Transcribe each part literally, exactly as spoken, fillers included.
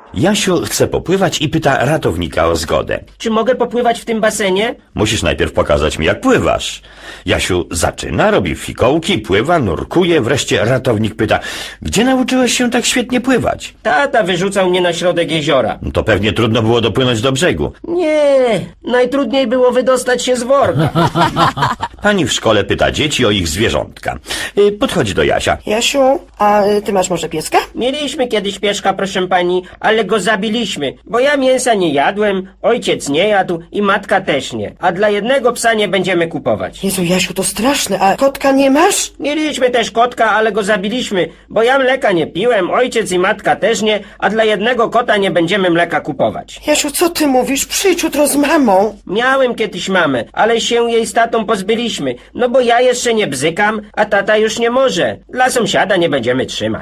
Jasiu chce popływać i pyta ratownika o zgodę. Czy mogę popływać w tym basenie? Musisz najpierw pokazać mi, jak pływasz. Jasiu zaczyna, robi fikołki, pływa, nurkuje, wreszcie ratownik pyta, gdzie nauczyłeś się tak świetnie pływać? Tata wyrzucał mnie na środek jeziora. No to pewnie trudno było dopłynąć do brzegu. Nie, najtrudniej było wydostać się z worka. Pani w szkole pyta dzieci o ich zwierzątka. Y, Podchodzi do Jasia. Jasiu, a y, ty masz może pieska? Mieliśmy kiedyś pieszka, proszę pani, ale go zabiliśmy, bo ja mięsa nie jadłem, ojciec nie jadł i matka też nie. A dla jednego psa nie będziemy kupować. Jezu, Jasiu, to straszne, a kotka nie masz? Mieliśmy też kotka, ale go zabiliśmy, bo ja mleka nie piłem, ojciec i matka też nie, a dla jednego kota nie będziemy mleka kupować. Jasiu, co ty mówisz? Przyjdź jutro z mamą. Miałem kiedyś mamę, ale się jej z tatą pozbyliśmy, no bo ja jeszcze nie bzykam, a tata już nie może. Dla sąsiada nie będziemy trzymać.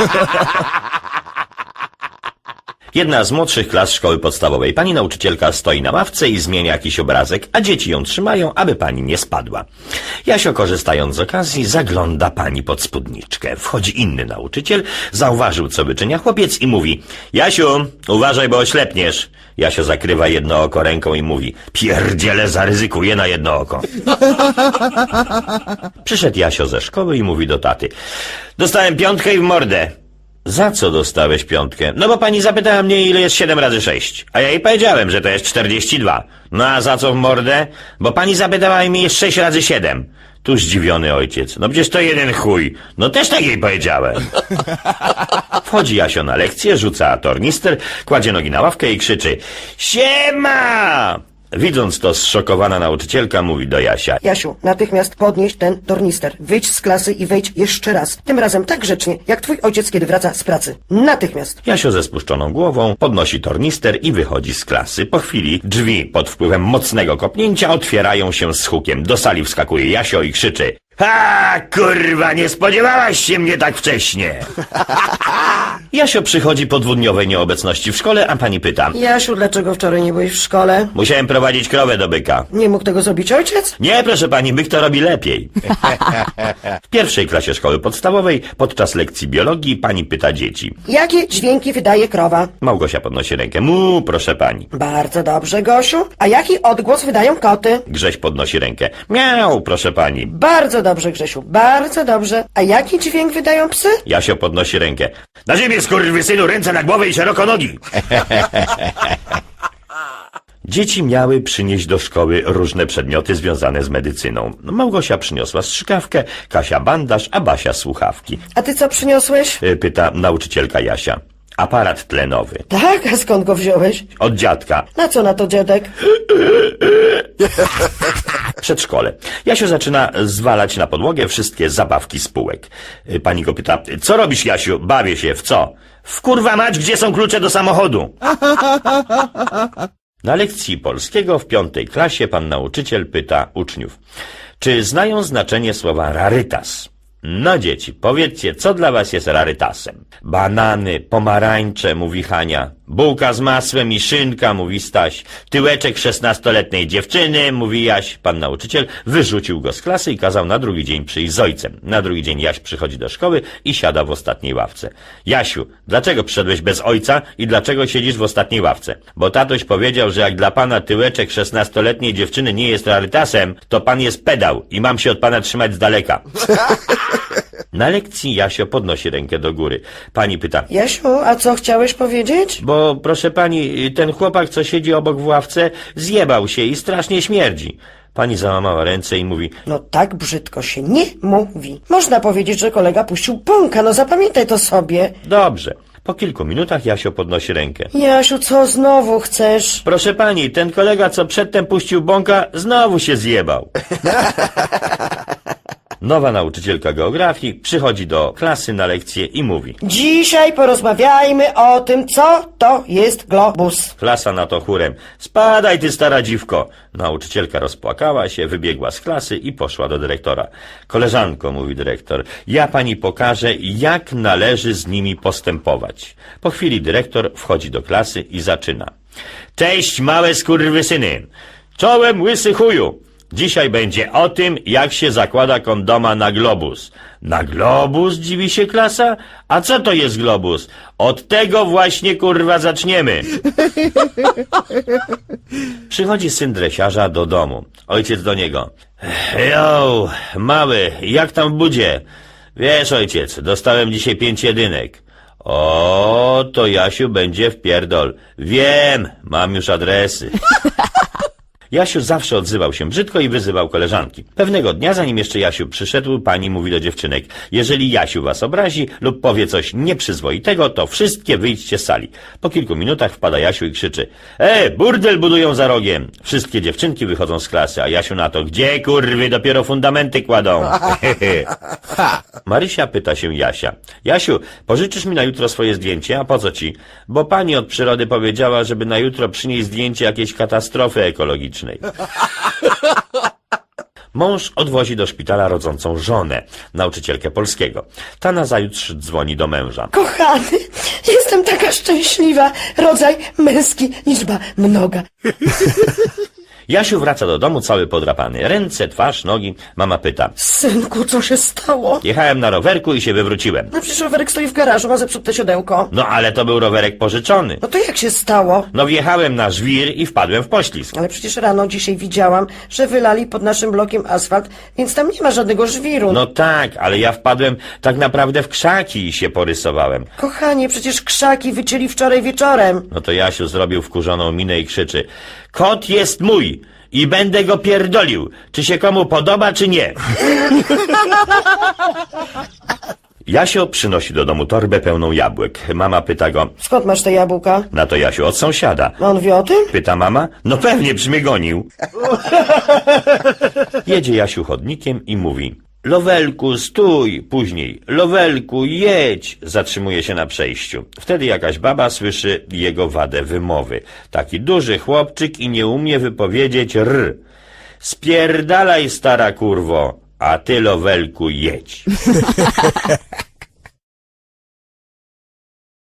Jedna z młodszych klas szkoły podstawowej. Pani nauczycielka stoi na ławce i zmienia jakiś obrazek, a dzieci ją trzymają, aby pani nie spadła. Jasio, korzystając z okazji, zagląda pani pod spódniczkę. Wchodzi inny nauczyciel, zauważył, co wyczynia chłopiec i mówi: Jasiu, uważaj, bo oślepniesz. Jasio zakrywa jedno oko ręką i mówi: pierdziele, zaryzykuję na jedno oko. Przyszedł Jasio ze szkoły i mówi do taty: dostałem piątkę i w mordę. Za co dostałeś piątkę? No bo pani zapytała mnie, ile jest siedem razy sześć. A ja jej powiedziałem, że to jest czterdzieści dwa. No a za co w mordę? Bo pani zapytała mnie, jest sześć razy siedem. Tu zdziwiony ojciec. No przecież to jeden chuj. No też tak jej powiedziałem. Wchodzi Jasio na lekcję, rzuca tornister, kładzie nogi na ławkę i krzyczy: siema! Widząc to, zszokowana nauczycielka mówi do Jasia: Jasiu, natychmiast podnieś ten tornister. Wyjdź z klasy i wejdź jeszcze raz. Tym razem tak grzecznie, jak twój ojciec, kiedy wraca z pracy. Natychmiast. Jasio ze spuszczoną głową podnosi tornister i wychodzi z klasy. Po chwili drzwi pod wpływem mocnego kopnięcia otwierają się z hukiem. Do sali wskakuje Jasio i krzyczy: ha, kurwa, nie spodziewałaś się mnie tak wcześnie. Jasio przychodzi po dwudniowej nieobecności w szkole, a pani pyta: Jasiu, dlaczego wczoraj nie byłeś w szkole? musiałem prowadzić krowę do byka. Nie mógł tego zrobić ojciec? Nie, proszę pani, byk to robi lepiej. W pierwszej klasie szkoły podstawowej podczas lekcji biologii pani pyta dzieci. Jakie dźwięki wydaje krowa? Małgosia podnosi rękę. Mu, proszę pani. Bardzo dobrze, Gosiu. A jaki odgłos wydają koty? Grześ podnosi rękę. Miau, proszę pani. Bardzo dobrze, Grzesiu, bardzo dobrze. A jaki dźwięk wydają psy? Jasio podnosi rękę. Na ziemię, skurwysynu, ręce na głowę i szeroko nogi. Dzieci miały przynieść do szkoły różne przedmioty związane z medycyną. Małgosia przyniosła strzykawkę, Kasia bandaż, a Basia słuchawki. A ty co przyniosłeś? Y, Pyta nauczycielka Jasia. Aparat tlenowy. Tak, a skąd go wziąłeś? Od dziadka. Na co na to, dziadek? Przedszkole. Jasio zaczyna zwalać na podłogę wszystkie zabawki z półek. Y, Pani go pyta: co robisz, Jasiu? Bawię się. W co? W kurwa mać, gdzie są klucze do samochodu? Na lekcji polskiego w piątej klasie pan nauczyciel pyta uczniów: czy znają znaczenie słowa rarytas? No dzieci, powiedzcie, co dla was jest rarytasem? Banany, pomarańcze, mówi Hania. Bułka z masłem i szynka, mówi Staś. Tyłeczek szesnastoletniej dziewczyny, mówi Jaś. Pan nauczyciel wyrzucił go z klasy i kazał na drugi dzień przyjść z ojcem. Na drugi dzień Jaś przychodzi do szkoły i siada w ostatniej ławce. Jasiu, dlaczego przyszedłeś bez ojca i dlaczego siedzisz w ostatniej ławce? Bo tatoś powiedział, że jak dla pana tyłeczek szesnastoletniej dziewczyny nie jest rarytasem, to pan jest pedał i mam się od pana trzymać z daleka. Na lekcji Jasio podnosi rękę do góry. Pani pyta: Jasiu, a co chciałeś powiedzieć? bo proszę pani, ten chłopak, co siedzi obok w ławce, zjebał się i strasznie śmierdzi. Pani załamała ręce i mówi: No tak brzydko się nie mówi. Można powiedzieć, że kolega puścił bąka, no zapamiętaj to sobie. dobrze. Po kilku minutach Jasio podnosi rękę. Jasiu, co znowu chcesz? Proszę pani, ten kolega, co przedtem puścił bąka, znowu się zjebał. Nowa nauczycielka geografii przychodzi do klasy na lekcję i mówi: Dzisiaj porozmawiajmy o tym, co to jest globus. Klasa na to chórem: spadaj ty, stara dziwko. Nauczycielka rozpłakała się, wybiegła z klasy i poszła do dyrektora. Koleżanko, mówi dyrektor, ja pani pokażę, jak należy z nimi postępować. Po chwili dyrektor wchodzi do klasy i zaczyna: cześć, małe skurwysyny. Czołem, łysy chuju. Dzisiaj będzie o tym, jak się zakłada kondoma na globus. Na globus, dziwi się klasa? A co to jest globus? Od tego właśnie, kurwa, zaczniemy. Przychodzi syn dresiarza do domu. Ojciec do niego. Jo, mały, jak tam w budzie? Wiesz, ojciec, dostałem dzisiaj pięć jedynek. O, to Jasiu będzie w pierdol. Wiem, mam już adresy. Jasiu zawsze odzywał się brzydko i wyzywał koleżanki. Pewnego dnia, zanim jeszcze Jasiu przyszedł, pani mówi do dziewczynek: jeżeli Jasiu was obrazi lub powie coś nieprzyzwoitego, to wszystkie wyjdźcie z sali. Po kilku minutach wpada Jasiu i krzyczy: e, burdel budują za rogiem. Wszystkie dziewczynki wychodzą z klasy, a Jasiu na to: gdzie kurwy, dopiero fundamenty kładą. Marysia pyta się Jasia: Jasiu, pożyczysz mi na jutro swoje zdjęcie? A po co ci? Bo pani od przyrody powiedziała, żeby na jutro przynieść zdjęcie jakiejś katastrofy ekologicznej. Mąż odwozi do szpitala rodzącą żonę, nauczycielkę polskiego. Ta nazajutrz dzwoni do męża. Kochany, jestem taka szczęśliwa. Rodzaj męski, liczba mnoga. Jasiu wraca do domu cały podrapany. Ręce, twarz, nogi. Mama pyta: Synku, co się stało? jechałem na rowerku i się wywróciłem. No przecież rowerek stoi w garażu, ma zepsute siodełko. No ale to był rowerek pożyczony. No to jak się stało? No wjechałem na żwir i wpadłem w poślizg. Ale przecież rano dzisiaj widziałam, że wylali pod naszym blokiem asfalt, więc tam nie ma żadnego żwiru. No tak, ale ja wpadłem tak naprawdę w krzaki i się porysowałem. Kochanie, przecież krzaki wycięli wczoraj wieczorem. No to Jasiu zrobił wkurzoną minę i krzyczy: kot jest mój i będę go pierdolił, czy się komu podoba, czy nie. Jasio przynosi do domu torbę pełną jabłek. Mama pyta go: Skąd masz te jabłka? na to Jasiu: od sąsiada. A on wie o tym? Pyta mama: no pewnie, przy mnie gonił. Jedzie Jasiu chodnikiem i mówi: Lowelku, stój! Później: Lowelku, jedź! Zatrzymuje się na przejściu. Wtedy jakaś baba słyszy jego wadę wymowy. Taki duży chłopczyk i nie umie wypowiedzieć r. Spierdalaj, stara kurwo, a ty, Lowelku, jedź.